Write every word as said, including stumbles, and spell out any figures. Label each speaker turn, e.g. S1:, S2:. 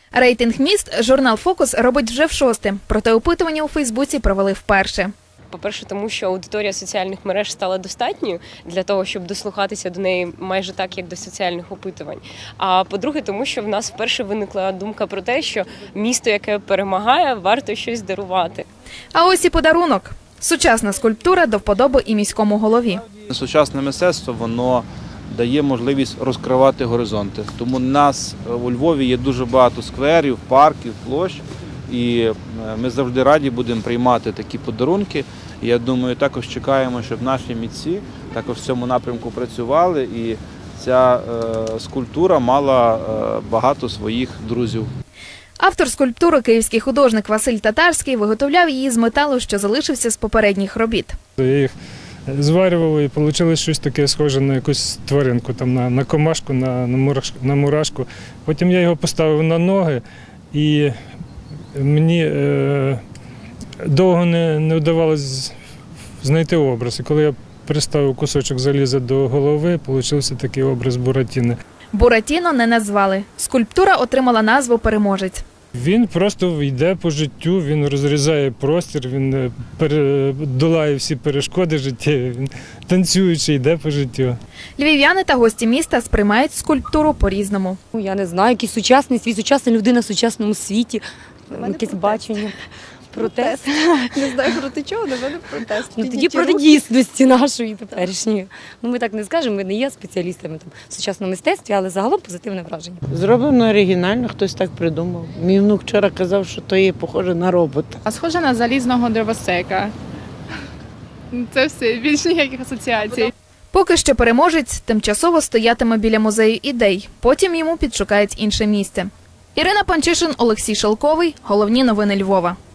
S1: Рейтинг міст журнал «Фокус» робить вже в шосте, проте опитування у Фейсбуці провели вперше.
S2: По-перше, тому що аудиторія соціальних мереж стала достатньою для того, щоб дослухатися до неї майже так, як до соціальних опитувань. А по-друге, тому що в нас вперше виникла думка про те, що місто, яке перемагає, варто щось дарувати.
S1: А ось і подарунок. Сучасна скульптура до вподоби і міському голові.
S3: Сучасне мистецтво, воно дає можливість розкривати горизонти. Тому у нас у Львові є дуже багато скверів, парків, площ. І ми завжди раді будемо приймати такі подарунки. І я думаю, також чекаємо, щоб наші митці також в цьому напрямку працювали. І ця е, скульптура мала е, багато своїх друзів.
S1: Автор скульптури, київський художник Василь Татарський, виготовляв її з металу, що залишився з попередніх робіт.
S4: Я їх зварював і вийшло щось таке схоже на якусь тваринку, там, на, на комашку, на, на, мурашку, на мурашку. Потім я його поставив на ноги і мені е, довго не, не вдавалося знайти образ. І коли я приставив кусочок заліза до голови, вийшов такий образ Буратіно.
S1: Буратіно не назвали. Скульптура отримала назву «Переможець».
S4: Він просто йде по життю, він розрізає простір, він долає всі перешкоди життя, він танцюючи йде по життю.
S1: Львів'яни та гості міста сприймають скульптуру по-різному.
S5: Я не знаю, який сучасний світ, сучасна людина в сучасному світі, якесь бачення. Протест.
S6: Не знаю проти чого, але в мене протест.
S5: Ну, тоді проти дійсності нашої теперішньої. Ну, ми так не скажемо, ми не є спеціалістами там, в сучасному мистецтві, але загалом позитивне враження.
S7: Зроблено оригінально, хтось так придумав. Мій внук вчора казав, що то є похоже на робота.
S6: А схоже на залізного дровосека. Це все, більш ніяких асоціацій.
S1: Поки що переможець тимчасово стоятиме біля музею ідей, потім йому підшукають інше місце. Ірина Панчишин, Олексій Шелковий. Головні новини Львова.